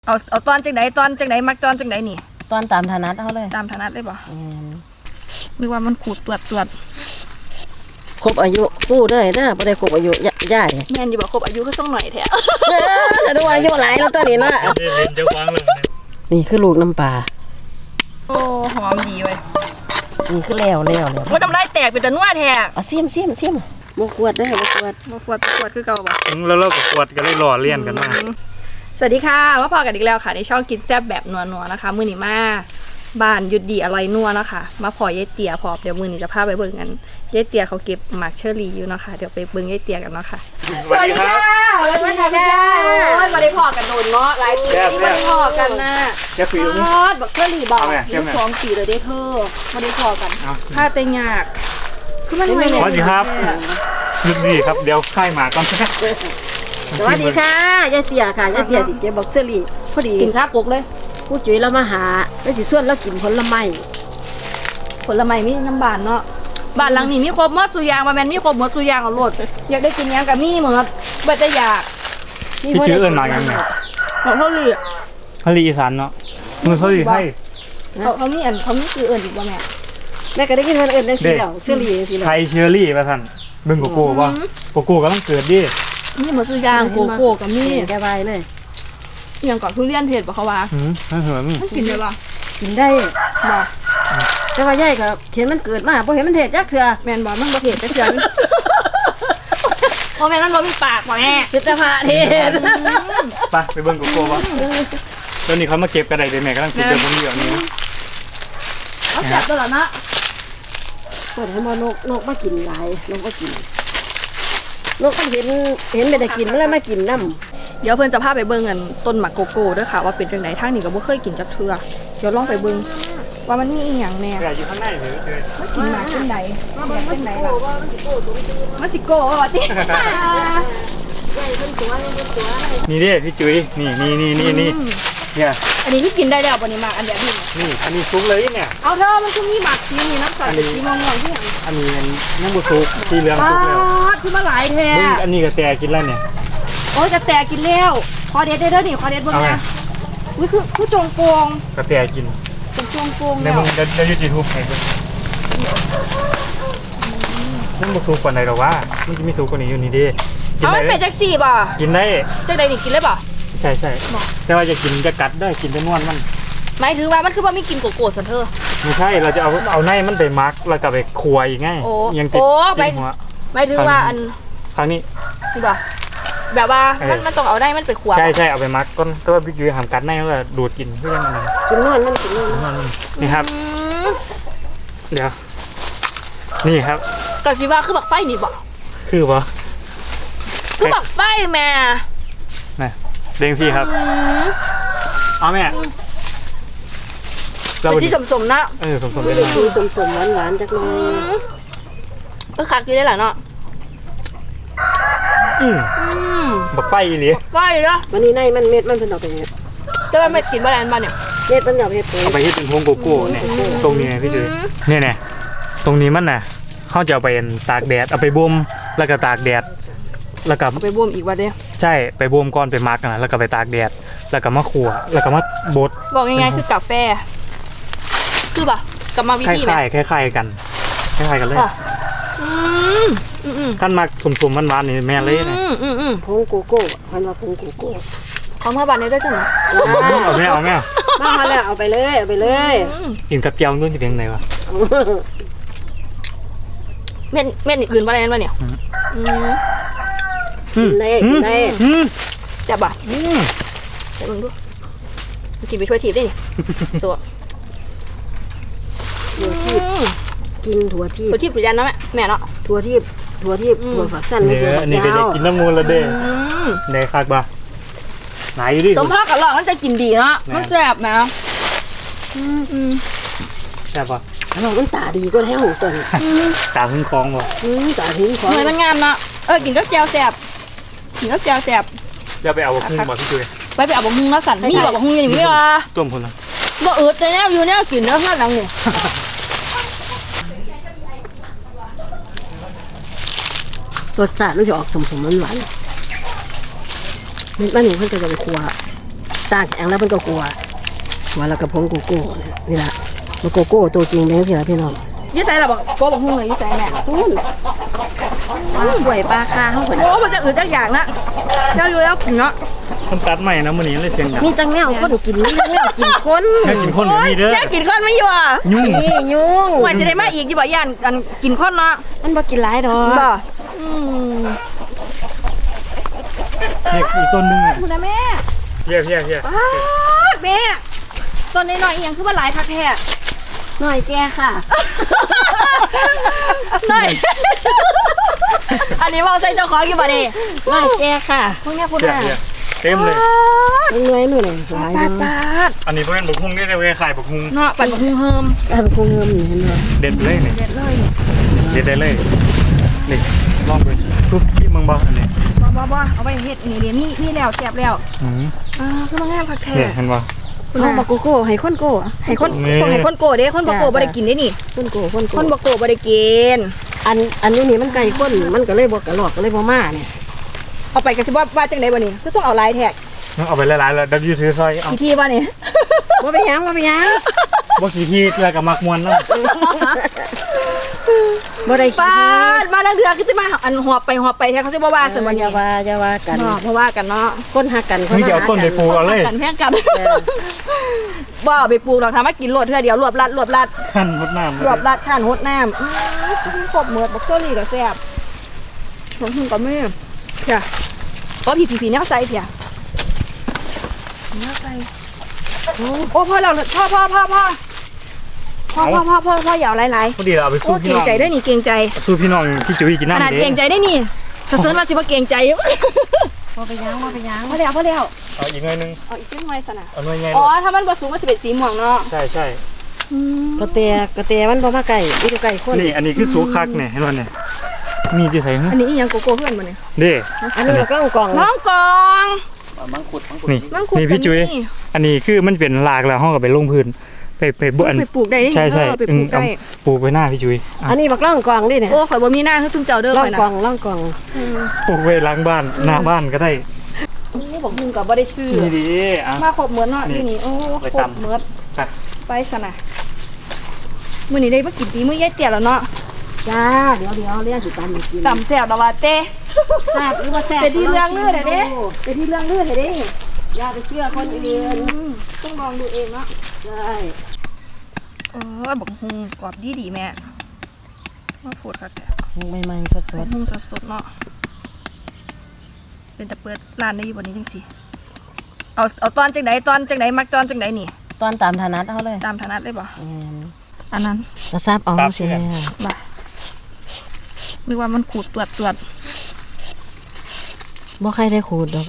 เอาตอนจังไหนมักตอนจังไหนนี่ตอนตามฐานะเขาเลยตามฐานะได้ป่ะนึกว่ามันขูดตรวจครบอายุกู้ได้เด้อบ่ได้ครบอายุย่ายแม่นอยู่บ่ครบอายุก็ต้องหน่อยแท้แต่ดูอายุหลายแล้วตัวนี้เนาะนี่คือลูกน้ำปลาโอ้หอมดีเว้ยนี่คือแล้วว่าน้ำลายแตกเป็นตะนัวแท้เอาซิมบ่กวดได้บ่กวดคือเก่าบ่แล้วเราก็กวดกันเลยหล่อเลี่ยนกันมาสวัสดีค่ะมาพอกันอีกแล้วค่ะในช่องกินแซ่บแบบนัวๆนะคะมื้อนี้มาบ้านหยุดดีอร่อยนัวนะคะมาพอยายเตี๋ยพอเดี๋ยวมื้อนี้จะพาไปเบิ่งกันยายเตี๋ยเขาเก็บหมากเชอรี่อยู่เนาะค่ะเดี๋ยวไปเบิ่งยายเตี๋ยกันเนาะค่ะสวัสดีค่ะสวัสดีค่ะโอ้ยมาได้พอกันโดนเนาะหลายปีที่มาได้พอกันนะจะคุยบักเชอรี่บอกอยู่2 ปีเลยเด้เธอมาได้พอกันถ้าแต่ยากคือมันไม่สวัสดีครับหยุดดีครับเดี๋ยวค่ายหมาก่อนสวัสดีค่ะยายเตี๋ยค่ะยายเตี๋ยสิเจ็บบักเซอรี่พอดีกินข้าวปกเลยผู้จุ๋ยเรามาหาแล้วสิส่วนเรากินผลไม้มีน้ำบานเนาะบ้านหลังนี้มีครบหมดสุยางว่าแม่นมีครบหมดสุยางเอาโลดอยากได้กินยังกับมีหมดบ่ได้อยากพี่ชื่อเอิ้นมายังไงเขาลีอีสานเนาะมือเขาลีให้เขามีชื่อเอิ้นอีกบ่แม่ก็ได้กินมันเอิ้นจังซี่แล้วเชอรี่จังซี่แล้วไทยเชอรี่ว่าซั่นเบิ่งโกโก้บ่โกโก้กำลังเกิดดิมีหมดสุยางโกโก้กับมีแกไว้เลยอย่างก่อนทุเรียนเทศบ่เขาว่าเหินมันกินได้บ่กินได้บ่แต่ว่ายายก็เห็นมันเกิดมาบ่เห็นมันเทศจักเทื่อแม่นบ่มันบ่เทศจักเทื่อบ่แม่นมันบ่มีปากบ่แม่เฮ็ดแต่พระเทศไปเบิ่งโกโก้บ่ตอนนี้เขามาเก็บกระไดเด้แม่กำลังเก็บเดี๋ยวผมเดี๋ยวนี้เอาจับตัวละนะเปิดให้บ่นกมากินหลายนกก็กินนกมันเห็นไม่ได้กินมันเลยมากินน้ำเดี๋ยวเพิ่นจะพาไปเบิ่งกันต้นหมากโกโก้ด้วยค่ะว่าเป็นจังไดทางนี้ก็บ่เคยกินจักเทื่อเดี๋ยวลองไปเบิ่งว่ามันมีอีหยังแน่อยู่ข้างในหรือมันกินหมากจังไดจังไดล่ะมันสิโก้ว่าตินี่เด้พี่จุ๋ยนี่เนี่ยอันนี้ที่กินได้แล้วบ่นี่หมากอันแบบนี้นี่อันนี้ซุกเลยเนี่ยเอาเถอะมันคือมีหมากสีนี่น้ำตาลสีม่วงๆที่หยังอันนี้น้ำบุซุกสีเหลืองซุกแล้วคือมาหลายแท้อันนี้ก็แต่กินแล้วเนี่ยโอ้ยกระแตกินแล้วคอเด็ดเด้อนี่คอเด็ดบนนะอุ้ยคือจงโปงกระแตกินจงโปงในมึงจะยูทูบให้ดูมันบุซุกกว่าไหนหรอวะมันจะมีซุกกว่านี้อยู่นี่ดิกินได้เป็นแท็กซี่ป่ะกินได้จังใดนี่กินได้ป่ะใช่แต่ว่าจะกินจะกัดได้กินได้นวลมันหมายถึงว่ามันคือว่าไม่กินโกโก้สันเธอไม่ใช่เราจะเอาในมันไปมักแล้วก็ไปคั่วอีกไงยังติดหัวหมายถึงว่าอันครั้งนี้คือป่ะแบบว่ามันต้องเอาได้มันไปคั่วใช่เอาไปมักก้นแต่ว่าพี่ยุ้ยหามกัดในแล้วก็ดูดกินเพื่อมันกินนวลมันนี่ครับเดี๋ยวนี่ครับกับชีว่าคือบักไฟนี่บ่คือบ่คือบักไฟแม่เด้งสิครับเอาแม่เราที่สมๆนะสมได้คือสมหวานจักหน่อยก็คักอยู่ได้แหละเนาะบักไฟอีหลีไฟเนาะวันนี้ในมันเม็ดมันเป็นดอกเป็นเม็ดแต่ว่าเม็ดกินบ่ได้อันบ้านเนี่ยเม็ดมันดอกเม็ดเอาไปเฮ็ดเป็นพวงโกโก้เนี่ยตรงนี้พี่จุ๋ยเนี่ยตรงนี้มันน่ะเขาจะเอาไปตากแดดเอาไปบ่มแล้วก็ตากแดดแล้วก็ไปบ่มอีกว่าเด้ใช่ไปบ่มก่อนไปมักนะแล้วก็ไปตากแดดแล้วก็มาคั่วแล้วก็มาบดบอกง่ายๆคือกาแฟคือป่ะกับมาวิธีไหมคล้ายกันเลยขั้นมาสุ่มๆมันๆนี่แม่เลยนะผงโกโก้พันว่าผงโกโก้เขาเมื่อวานนี้ได้จังไหมเอาแม่มาแล้วเอาไปเลยกินกับเจียวนู่นจะเป็นไงวะเม็ดอื่นอะไรนั่นวะเนี่ยกินได้จับบ่ะจับมึงดูกินไปถ้วยทิพย์ได้นี่สวถั่วทิพย์กินถั่วทิพย์หรือยันเนาะแม่เนาะถั่วทิพย์ถั่วฝักสั้นนี่ก็จะกินน้ำมูลละเด้ในคักบ่ไหนอยู่ดิสมภาพกับหลอกมันจะกินดีเนาะมันแซ่บนะแซ่บป่ะเราต้องตาดีก็แล้วตัวนี้ตาพึ่งคล้องบ่ตาพึ่งคล้องเหมือนมันงามเนาะกินก็แจ่วแซ่บกินก็แจ่วแซ่บอย่าไปเอาบะฮุ่งบ่พี่จุ้ยไปเอาบะฮุ่งนะสันมีบะฮุ่งอย่างนี้ว่ะต้มคนละบ่อืดแต่เนี่ยอยู่เนี่ยกินแล้วข้างหลังเนี่ยรสชาติมันจะออกสมหวานมันนี่เพิ่งจะไปครัวตากแข็งแล้วมันก็กลัวแล้วก็ผงโกโก้นี่ล่ะมันโกโก้ตัวจริงเป็นจังซี่ล่ะพี่น้องยี่ไซล่ะบอกโกบอกหุ่งเลยยี่ไซแม่หวยปลาคาเฮาพุ่นโอ้มันจะอืดจักอย่างนะเจ้าอยู่แล้วกินเนาะมันตัดใหม่นะมื้อนี้เลยเสียงดังมีจังแนวคนกินมีจังแนวกินคนแค่กินคนแบบนี้เด้อแค่กินก้อนไม่อยู่อ่ะยุ่งนี่ยุ่งว่าจะได้มาอีกที่บอกย่านกันกินข้อนเนาะมันบ่กินหลายดอกบ่เนี่ยอีกต้นนึงอ่ะคุณนะแม่เฮียป๊าดแม่ตอนน้อยๆอีหยังคือว่าหลายคักแท้หน่อยแกค่ะน้อยอันนี้ว่าใส่เจ้าของอยู่บ่ดิหน่อยแกค่ะพวกเนี้ยพูดเฮียน่ะเต็มเลยเหนื่อยมื้อนี่หลายปาเนาะดปาดอันนี้เพิ่นบักฮุ้งนี่แต่เวขายบักฮุ้งเนาะปั่นหุงเฮิมอันคงเงิมนี่เห็นบ่เด็ดเลยนี่เด็ดเลยเด็ดได้เลยนี่ลองดูทุบที่เมืองบ่อันนี้บ่เอาไปเฮ็ดนี่เดี๋ยวมีแล้วแซ่บแล้วอืมคือมางามคักแท้เนี่ยเห็นบ่เอาบักโกโก้ให้คนโก้ให้คนนี่ต้องให้คนโกเด้คนบ่โกบ่ได้กินได้นี่คนโก้คนคโก้นบ่โกบ่ได้กินอันนี้นี่มันไก่ข้นมันก็เลยบ่กระหลอกก็เลยบ่มาเนี่ยเอาไปก็สิว่าจังได๋บ่นี่คือต้องเอาหลายแท็กเอาไปหลายๆแล้ว W ถือซอยเอาอีทีบ่นี่บ่ไปหยังบ่ไปหยังบ่ขี้ที่แล้วก็มักมวนนำบ่ได้ปาคิดดมาดังเดือคือสิมาอันหอบไปแท้เขาสิบ่ว่าซั่นบ่อนี่ย่าว่ากันเนาะบ่ว่ากันเนาะคนหักกันนี่จะเอาต้นไปปลูกเอาเลยกันแพงกันบ่เอาไปปลูกหรอกทำมากินโลดเทื่อเดียวรวบรัดขั้นมดน้ำรวบรัดข้านหดน้ำครบหมดบักโซลี่ก็แซ่บของหุ่นก็แม่เพียก็ผีแนวใส่เพียแนวใส่โอ้พ่อเราพ่ออย่าเอาหลายพอดีเราเอาไปๆโอ้สู้เกพี่รงน้องใจได้นี่เกรงใจสู้พี่น้องพี่จุ้ยกินขน้ำนาดเด้เกรงใจได้นี่ถ้าเซิร์นมาสิว่าเกรงใจบ่ไปหยังพอแล้วเอาอีกหน่อยนึงเอาอีกนิดหน่อยสนะเอาหน่อยใหญ่อ๋อถ้ามันผสมมันจะเป็นสีม่วงเนาะใช่กระแตมันบ่มาไก่มีแต่ไก่คนนี่อันนี้คือสูคักเนี่ยเห็นบ่เนี่ยมีที่ใส่ฮะอันนี้อีหยังโกโก้เพื่อนบ่เนี่ยเด้อันนี้กล้องกล่องน้องกองนี่มังคุดนี่พี่จุ้ยอันนี้คือมันเป็นรากแล้วห้องกับไปลงพื้นไปบุอันไปปลูกได้นี่ใช่ไปปลูกได้ปลูกไว้หน้าพี่จุ้ยอันนี้บักล่องกล่องนี่เนี่ยโอ้ข่อยบ่มีหน้าคือซุ่มเจ้าเด้อล่อข่งอยนะกล่องล่องกล่องปลูกไว้หล้างบ้านหน้าบ้านก็ได้นี่บอกมึงก็บ่ได้ซื้อนี่ดีอ่ะมาครบเหมือนเนาะนี่ที่นี่โอ้ไปครบตำเหมือนไปไปซะนะมื้อนี้ได้มากินปีมื้อยายเตี้ยแล้วเนาะจ้าเดี๋ยวเรียกสิตามมากินตำแซ่บแล้วว่าเต้แซ่บหรือว่าแซ่บเป็นที่เรื่องลือเด้อเด้เป็นที่เรื่องลือเด้อเด้อย่าไปเชื่อคนอื่นต้องลองดูเองเนาะใช่บักฮุงกรอบดีแม่มาพูดค่ะแต่ใหม่ๆสดบักฮุงสดๆเนาะเป็นแต่เปิดร้านได้อยู่บ่นี้จังซี่เอาตอนจังไดมักตอนจังไดนี่ๆตอนตามฐานะเฮาเลยตามถนัดเลยบ่อันนั้นกระซับเอาสิบ่นึกว่ามันขูดตรวจบ่ใครได้ขูดดอก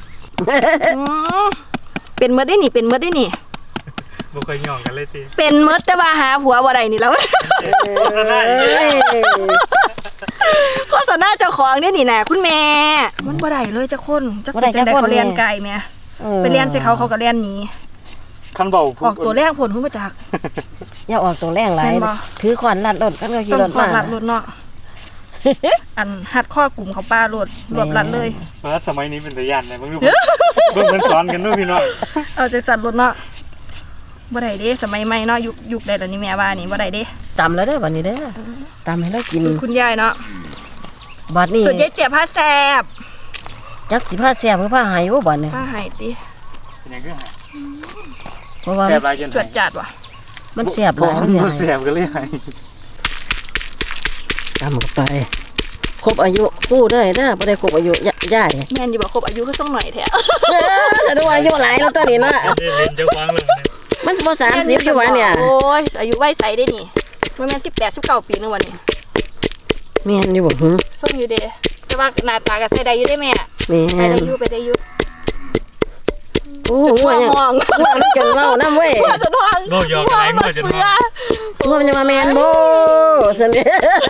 เป็นเมดได้นี่เป็นเมดได้นี่บ่เคยย่องกันเลยติเป็นเมดแต่ว่าหาผัวบ่ได้นี่แล้วโฆษณาอีกแล้วโฆษณาเจ้าของเนี่ยนี่น่ะคุณแม่มันบ่ได้เลยจักคนจักเป็นจังได๋เขาเรียนไกลแม่ไปเรียนใส่เขาก็เรียนหนีคันเบาออกตัวแรกผลเพิ่นมาจากอย่าออกตัวแรงหลายแม่นบ่ถือขวานลัดรถกันก็ขี่ต้รนถคอมารัดรถเนาะอันหัดข้อกลุ่มเขาป้ารถรวบรัดเลยเออสมัยนี้เป็นตะยานเลยมึงดูเบิ่งมันสอนกันด้วยพี่น้องเอาใจสั่นรถเนาะบ่ได้เด้สมัยใหม่เนาะยุคใดแล้วนี่แม่ว่านี่บ่ได้เด้ตำแล้วเด้อบัดนี้เด้อตำให้เรากินสูตรคุณยายเนาะบัดนี้ส่วนยายเจี๊ยบผ้าแซ่บจักสิผ้าแซ่บหรือผ้าหายบ่บัดนี้ผ้าไห้ติเป็นยังไงเพราะว่าแซ่บหลายจนจวดจัดว่ะมันแซ่บหบ่ลายมันสิบ่หายแซ่บกันเลยให้ตำเข้าไปครบอายุกู้เด้อเด้อบ่ได้ครบอายุย่ายแม่นอยู่บ่ครบอายุก็ต้องหน่อยแท้แต่ดูอายุหลายแล้วตัวนี้เนาะเล่นเจ้าฟังเลยเนี่ยมันสิบ่30อยู่วะเนี่ยโอ้ยอายุไว้ใสได้นี่บ่แม่น18 19ปีนึงวันนี้แม่นอยู่บ่หึส่งอยู่เด้แต่ว่าหน้าตาก็ใส่ได้อยู่ได้แม่แม่ไปนได้อยู่ไปได้อยู่โอ้งัวยังมองงัวมันจนเว้านำเว้ยหัวจะนอนโลกยอกอะไรเมื่อจนเสืว่าองัวมันจะว่าแม่นบ่ซั่นเด้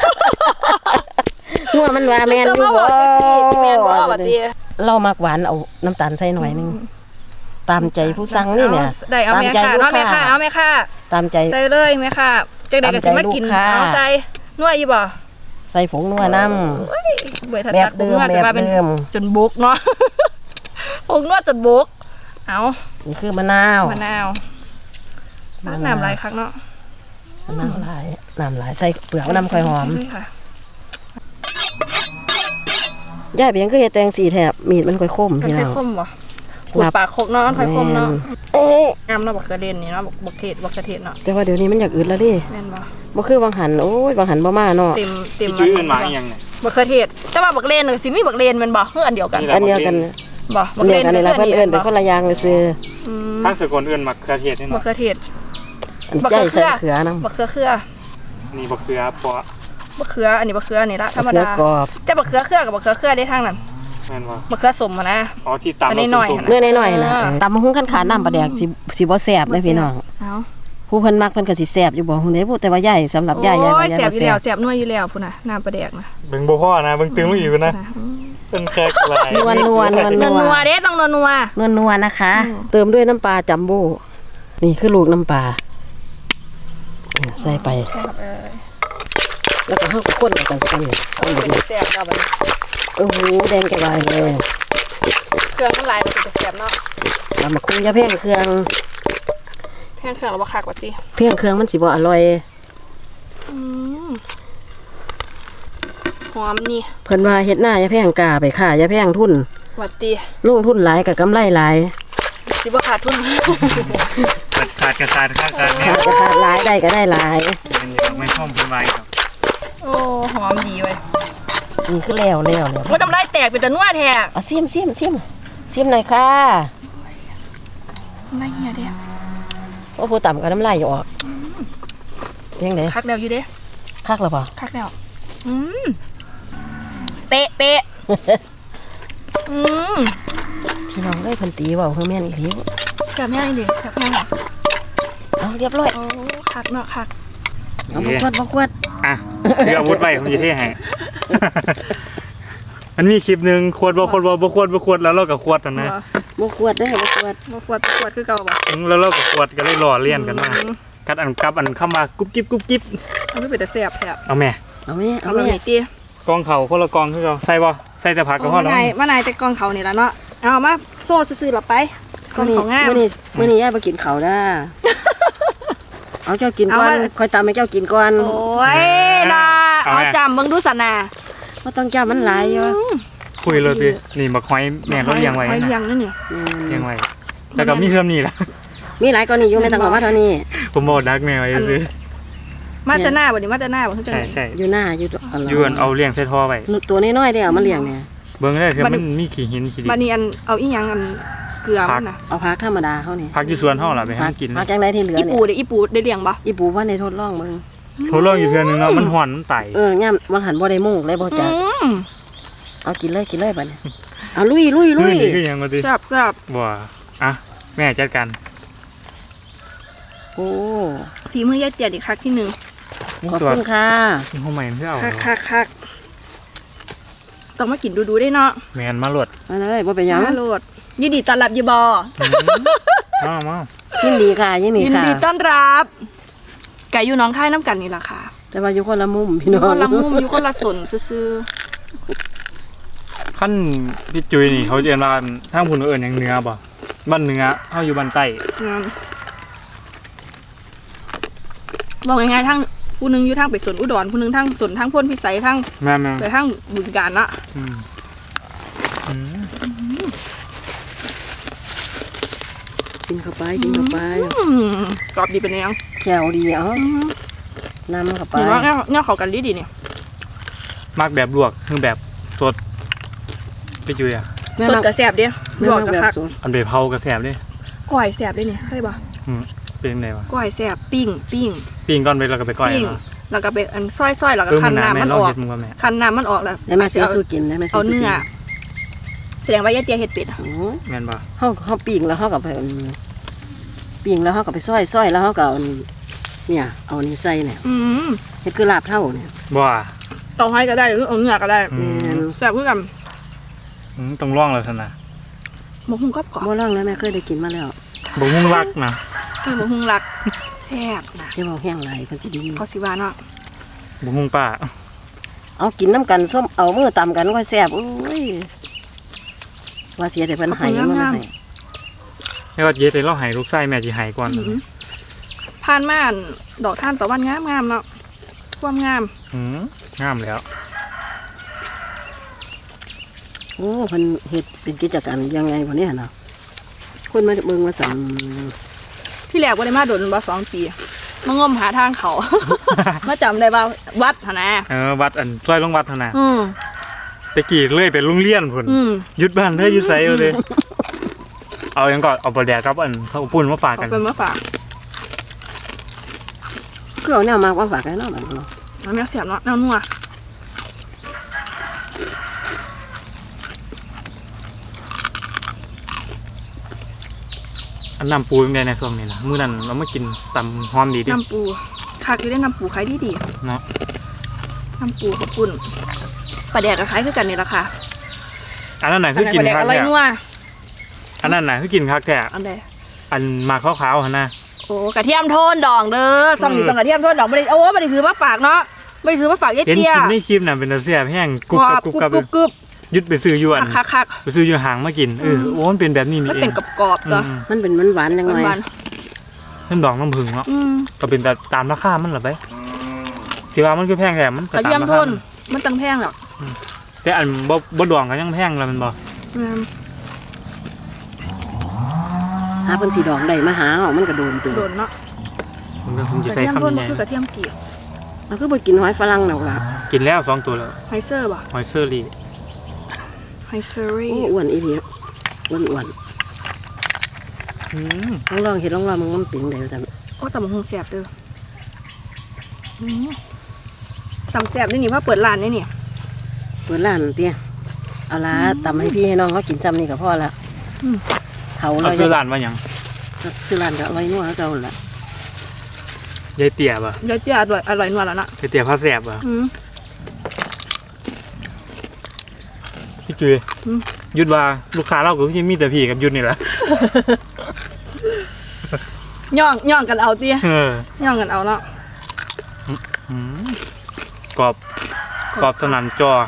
งัวมันว่าแม่นอยู่เสือมาบ่บอกจังซี่แม่นบ่บัดนี้เรามักหวานเอาน้ำตาลใส่หน่อยนึงตามใจผู้สั่งนี่เนี่ยได้เอาตามแม่ใจค่ะลูเนาะกแม่ค้าค่ะเอาแม่ค่ะตามใจใส่เลยแม่ค่ะจังได๋ก็สิมากินตามใจลูกค้าเอาใส่นวดอยู่บ่ใส่ผงนัวน้เบื่อถัดแบบตัดผมนวดเดิมจะมาเป็นแบบเดิมจนบกเนาะ ผงนวดจนบกเอาำนี่คือมะนาวมะนาวน้ำลายคักเนาะมะนาวหลายน้ำหลายใส่เปลือกน้ำค่อยหอมด้วยค่ะย่าเพียงก็เฮ็ดแตงสีแถบมีดมันค่อยคมมันพี่ค่น้อยองคมบ่ขูดปากคกเนาะค่อยคมเนาะเอ๊ะงามเนาะบักเขือเดนนี่เนาะบักเทศบักกระเทศเนาะแต่ว่าเดี๋ยวนี้มันอยากอึดแล้วดิแม่นบ่บ่คือบางหันโอ้ยบางหันบ่มาเนาะเต็มพี่จุ้ยเอิ้นมาอีหยังเนี่ยบักเขือเทศแต่ว่าบักเลนน่ะสิมีบักเลนแม่นบ่เฮืออันเดียวกันนี่แหละอันเดียวกันบ่อันเดียวกันนี่ล่ะเพิ่นเอิ้นเป็นคนละอย่างเลยซื่ออืมทางสกลเอิ้นมักเขือเทศนี่บักเนาะเขือเทศอันใจใส่เขือนำบักเขือเครือนี่บ่เขือเพราะบักเขืออันนี้บักเขือนี่ละธรรมเขือดากรอบแต่บักเขือเครือกับบักเขือเครือได้ทางนั้นแม่นบ่บักเขือสมอะนะอ๋อที่ตำอันนี้หน่อยส้มนะเนื้อน้อยๆน่ะตำบักหุ่งคันขาน้ำปลาแดกสิบ่แซ่บเลยพี่น้องเอาผู้เพิ่นมักเพิ่นก็สิแซ่บอยู่บ่ฮู้เด้พูดแต่ว่าใหญ่สำหรับใหญ่โอ้ว่าย ใหญ่แสบบ่อยู่แซ่แล้วบแสบนัวอยู่แล้วพุ่นน่ะน้ำปลาแดกนะๆเบิ่งบ่พอนะเบิ่งตึงมาอีกนะเป็นแค่ลายนัวนัวเด้ต้องนัวๆนะคะ เติมด้วยน้ำปลาจัมโบ้นี่คือลูกน้ำปลาเนี่ยใส่ไป แล้วก็เฮาก็คนกันสักนิดคนเป็นดีแสบเราบัดนี้โอ้โหแดงแก่ลายเลยเครื่องมันหลายมันเป็นแสบเนาะตำบักหุ่งอย่าเพ่งเครื่องแพงเครื่องเราบ่คักว่าติเพ่งเครื่องมันสิบ่อร่อยอืมหอมนี่เพิ่นว่าเฮ็ดหน้าอย่าเพ่งกาไปค่ะอย่าเพ่งทุนว่าติลงทุนหลายกับกำไรหลายสิบ่ขาดทุนขาดกระขาดข้างกันเนี่ยขาดก็ขาดหลายได้ก็ได้หลายเป็นอย่างไม่ชอบเป็นไวครับโอ้หอมดีเว้ยนี่คือแล้วเนี่ยมันทำลายแตกเป็นตะนัวแท้เอาซิมหน่อยค่ะไม่เหี้ยเด้โอ้ผู้ต่ำก็น้ำลายอยู่ออกเพียงไหนคักแล้วอยู่เด้คักหรือเปล่าคักแล้วอืมเป๊ะอืมพี่น้องได้พันตีเว่าคือแม่นอีหลีแซ่บแม่งดิแซ่บแม่งเอาเรียบร้อยโอ้คักเนาะคักเอาบกวดอ่ะคืออาวุธไว้ผมจะเท่ให้ มันมีคลิปหนึงขวดบ่แล้วเราก็ขวดกันนะบกวดได้อบกวดมาขวดคือเก่าบ่แล้วเราก็ขวดก็เลยหล่อเลี่ยนกันมากัดอันกับอันเข้ามากุ๊บกิ๊บเอาไม่เป็นแต่แซ่บแท้เอาแม่เอาแม่เอาเอาแบบแม่นี้ติกองเขาคนละกองคือเราใส่บ่ใส่แต่ผักกับพ่อมาเนาะนายแต่กองเขานี่ละเนาะเอามาโซ่ซื่อๆหลับไปกองเขางามมื้อนี้ย่าไปกินเขาวด้าเอาเจ้ากินก่อนคอยตามให้เจ้ากินก่อนโอ้ยนะเอาจำเบิ่งดูสนาบ่ต้องเจ้ามันหลายอยู่คุยเลยดินี่บักหอยแม่เราเลี้ยงไว้หอยนะเลี้ยงนั่นนี่เลี้ยงไว้แล้วก็มีเพิ่มนี่ล่ะมีหลายกว่านี้อยู่ไม่ต้องบอกว่าเท่านี้ผมบอกดักแม่ไว้ซื้อมาจะหน้าบ่นี่มาจะหน้าบ่คือจังใช่ได๋ใช่อยู่หน้าอยู่ตัวยวนเอาเลี้ยงใส่ท่อไว้ตัวน้อยๆได้เอามาเลี้ยงเนี่ยเบิ่งได้เถอะมันมีขี้หินขี้ดิบัดนี้อันเอาอีหยังอันเกลือมันน่ะเอาพักธรรมดาเขานี่พักอยู่สวนห้องล่ะไปให้มันกินพักจังไดที่เหลืออีเนี่ปูยเด้อีปูได้เลี้ยงบ่อีปูว่าในทดลองมึงโทรลองอยู่เทื่อนึงเนาะมันห่อนมันไตย่ำวางหันบ่ได้มุ่งเลยบ่จักมเอากินเลยบัดนี้เอาลุยนี่คือหยังบ่ติแซ่บบ่อ่ะแม่จัดการโอ้ฝีมือยายเตียดอีกครั้งที่หนึ่งขอบคุณค่ะนี่ห้องใหม่เพื่อเอาคักต้องมากินดูได้เนาะแม่นมาโหลดมาเลยบ่เป็นหยังมาโลดยินดีต้อนรับอยู่บ่มายินดีค่ะยินดียินค่ะดีต้อนรับไก่อยู่หน้องค่ายน้ำกันนี่ล่ะค่ะแต่ว่าอยู่คนละมุมพี่อน้ยู่องคนละมุมอยู่คนละสนซื่อขั้นพี่จุ้ยนี่เขาเรียนว่าทางพุ่นเอิ้นหยังเหนือบ่บ้านเหนือเฮาอยู่บ้านใต้ๆงั้นบอกง่ายๆทั้งผู้หนึงอยู่ทางไปสวนอุดรผู้หนึงทางสวนทางพ้นพิสัยทางแม่นไปทางบึงกาฬนะๆอืมกินเข้าไปกรอบดีเป็นยังแขวดีเอานำเข้าไปเห็นว่าเนี่ยเขากันดีเนี่ยมักแบบลวกคือแบบสดพี่จุ้ยอ่ะสดกระแสบเดียวไม่หลอต้กองกระแบบคักสดอันไปเผากระแสบเด้ก้อยแสบด้วยเนี่ยเคยปะเป็นจังไดวะก้อยแสบปิ้งปิ้งก่อนไปแล้วก็ไปก้อยปิ้งเนาะแล้วก็เป็นอันซอยแล้วก็มัคันหนาน้ำแม่มันลองออกเฮ็ดมึงว่าแม่คันน้ำมันออกแล้วได้แม่เสียสู้กินได้แม่เสียเอาสู้กิเนื้อแสดงว่ายายเตียเห็ดเป็ดอะโอ้ยแม่นบ่เฮาปิ้งแล้วเฮาก็ไปปิ้งแล้วเฮาก็ไปซอยแล้วเฮาก็เอาเนี่ยเอานี่ใส่เนี่ยอืมเฮ็ดคือลาบเท่าเนี่ยบ่เอาให้ก็ได้หรือเอาเนื้อก็ได้อืมแสบเพื่อกันต้องลองแล้วซั่นน่ะหมกหุ้งกรอบกรอบบ่ลองแล้วแม่เคยได้กินมาแล้วบ่ฮู้รักนะหมกหุ้งรักแสบนะที่บอกแห้งหลายเพิ่นสิดีเขาสิว่าเนาะบ่ฮู้ป้าเอากินน้ำกันส้มเอามือตำกันก็แซ่บโอ้ยว่าเสียแต่เพิ่นให้มันให้ไม่ว่าเย็ดเลยเราให้ลูกไส้แม่สิให้ก่อนผ่านมาอันดอกท่านตะวันงามๆเนาะความงามงามแล้วโอ้เพิ่นเฮ็ดเป็นกิจการยังไงบ่เนี่ยเนาะคนมาเบิ่งมาสั่นที่แรกบ่ได้มาโดนบ่2 ปีมางมหาทางเขา มาจำได้ว่าวัดหั่นนะวัดอันซอยลงวัดหั่นน่ะอืมตะกี้เลยเป็นโรงเรียนพุ่นอืมหยุดบ้านเด้ออยู่ไสเอาเลยเอาหยังก่อนเอาปลาแดกกับอันข้าวปุ้นมาฝากเอากันเป็นมาฝากคือเอาแนวมาว่าฝากกันเนาะมันเนาะน้ำแม่เสียบเนาะน้ำนัวอันน้ำปูยังไงในช่วงนี้ล่ะมื้อนั้นเรามากินตำหอมดีเดิน้ำปูคักอยู่ได้น้ำปูขายดีเนาะๆน้ำปูข้าวปุ้นปลาแดกกับขายคือกันนี่ล่ะค่ะอันนั้นน่ะอัคืนอนั้นกิปนลาแดกคักอร่อยแท้นัวอันนั้นน่ะคือกินคักแท้อันใดอันหมากขาวๆหั่นน่ะโอ้กระเทียมโทนดองเด้อซ่อมอยู่ตรงกระเทียมโทนดองบ่ได้โอ้บ่ได้ถือมาฝากเนาะบ่ได้ถือมาฝากยายเห็นเตี้ยกินในคลิปน่ะเป็นตาแซ่บแห้งกรุบกรกัอบบ กรุบกรุบกับกรุบกรุบยึดไปซื้ออยู่อันคักไปซื้ออยู่ห่างมากินโอ้มันเป็นแบบนี้ๆนี่มันเอเป็นงกรอบๆตัวมันเป็นหวานๆจังหน่อยหวานเพิ่นดอกน้ำผึ้งเนาะๆอืมก็เป็นแต่ตามราคามันเหรอไปที่ว่ามันคือแพงแท้มันกก็ระตาเทียมมราโทคานมันตังแพงแล้วแต่อันบ่ดองก็ยังแพงแล้วมันบ่อืมหาเพิ่นสิดองได้มาหาเอามันก็โดนเตือโดนเนาะมันก็คงกจะระใส่เทียมคำโทนใหมันญ่คือกระเทียมเกี๊ยวมันคือบ่กินหอยฝรั่งดอกล่ะกินแล้ว2ตัวแล้วไฮเซอร์ป่ะหอยเซอรี่ไฮเซอรี่โอ้อ้วนอีหลีอ้วนอืมๆลองเฮ็ดลองมึงมันเป็นได้ว่าซั่นโอ้ตำบักหุ่งแสบเด้ออืมตำแสบนี่นี่ว่าเปิดร้านนี่นี่เปิดร้านเตี้ยเอาล่ะตำให้พี่ให้น้องเขากินซ้ำนี่ก็พอละอืมเฒ่าเอาแล้วซื้อร้านว่าหยังซื้อร้านก็อร่อยนัวคือเก่าล่ะยายเตี๋ยบ่เดี๋ยวจะอร่อยนัวแล้วนะยายเตี๋ยพาแซ่บบ่อืมพี่จุ้ยอืมยุดว่าลูกค้าเราก็คือมีแต่พี่กับยุดนี่แหละย่องกันเอาเตี้ยเออย่องกันเอาเนาะอืมกรอบกรอบสนั่นจอ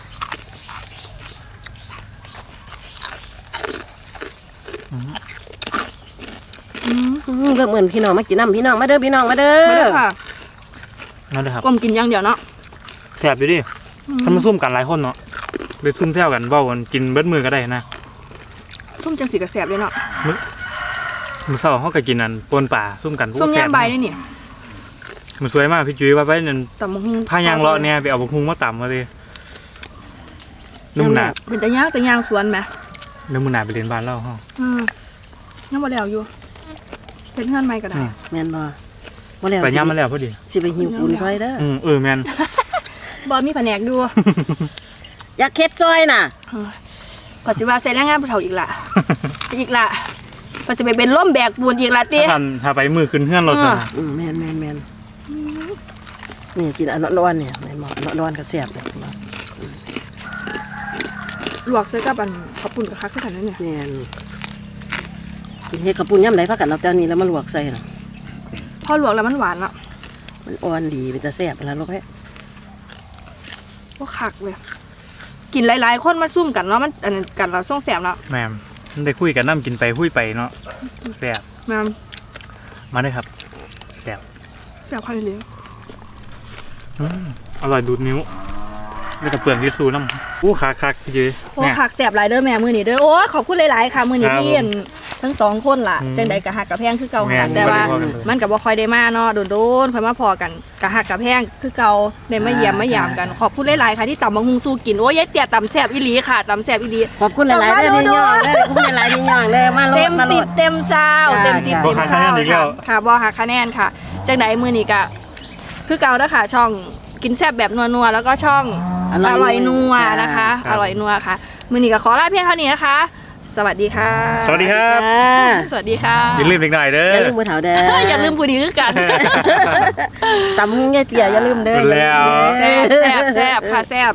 ก็เหมือนพี่น้องมากินน้ำพี่น้องมาเด้อพี่น้องมาเด้มาเด้ออค่ะนั่นเลยครับกลมกินอย่างเดียวเนาะแซ่บอยู่ดิถ้ามาซุ่มกันหลายคนเนาะไปซุ่มแซวกันเว้ากันกินเบิดมือก็ได้นะส้มจังสีกระแสบเลยเนาะมื้อเช้าเฮาก็กินอันปนป่าซุ่มกันส้มแซ่ย่างใบได้นี่มันสวยมากพี่จุ้ยว่าไปนั่นตำบักหุ่งพายางเลาะเนี่ยไปเอาบักฮุงมาตำมาดินุ่มหนาเป็นตะย่างสวนไหมเนื้อมือหนาไปเรียนบ้านเล่าห้องอืมยังบ่แล้วอยู่เป็นเพื่อนใหม่ก็ได้แม่นบ่บ่แล้วไปย่ำมาแล้วพอดีสิไปหิวปูนซอยเด้อแมนบ่มีแผนกดูอยากเฮ็ดซอยน่ะพอสิว่าใส่แรงงานผู้เฒ่าอีกล่ะ อีกล่ะพอสิไปเป็นร่มแบกปูนอีกล่ะติถ้าไปมือขึ้นเฮือนรถนะแม่นนี่กินอันร้อนๆเนี่ยแม่นบ่อันร้อนๆก็แซ่บเลยลวกใส่กับอันข้าวปุ้นกับคักคือกันนั่นเนี่ยแม่นกินเฮ็ดข้าวปุ้นยามใดพากันเอาแต่อันนี้แล้วมาลวกใส่น่ะพอลวกแล้วมันหวานเนาะมันอ่อนดีเป็นตาแซ่บแล้วลูกเอ้ยก็คักเลยกินหลายๆคนมาซุ่มกันเนาะมันอันนั้นกันเราส่งแสบเนาะแม่มมันได้คุยกันน้ำกินไปคุยไปเนาะแซ่บแม่นมาได้ครับแซ่บแสบคักเลยอร่อยดูดนิ้วแล้วก็เปลือกยิซูน้ำอู้คักพี่จื้อโอ้เนี่ยคักแสบหลายเด้อแม่มื้อนี้เด้อโอ้ขอบคุณหลายๆค่ะมื้อนี้ครับพี่อันทั้งสองคนล่ะอืมจังใดก็ฮักกับแพงคือเก่าแม่หันนแต่ว่าบ่ได้พอกันเลยมันก็บ่ค่อยได้มาเนาะโดนๆค่อยมาพอกันก็ฮักกับแพงคือเก่าได้มาเยี่ยมมายามกันขอบคุณหลายๆค่ะที่ตำบักหุ่งสู้กินโอ้ยยายเตี้ยตำแซ่บอีหลีค่ะตำแซ่บอีหลีขอบคุณหลายๆเด้อที่ย่องเด้อขอบคุณหลายๆที่ย่องเด้อมาโลเต็ดมมาโลสิบดเต็มซาวจ้าเต็มสิบบ่เต็มหักคะซาแนวนอีกแล้ค่ะวค่ะบ่หักคะแนนค่ะจังใดมื้อนี้ก็คือเก่าเด้อค่ะช่องกินแซ่บแบบนัวๆแล้วก็ช่องอร่อยนัวนะคะครับอร่อยนัวค่ะมื้อนี้ก็ขอลาเพียงเท่านี้นะคะ สวัสดีค่ะสวัสดีครับสวัสดีค่ะอย่าลืมอีกหน่อยเด้ออย่าลืมมือเถาเด้ออย่าลืมผู้ดีคือกันตำหุ้งยายเตี๋ยอย่าลืมเด้ออย่าลืมเด้อแล้วแซ่บแซ่บแซ่บค่ะแซ่บ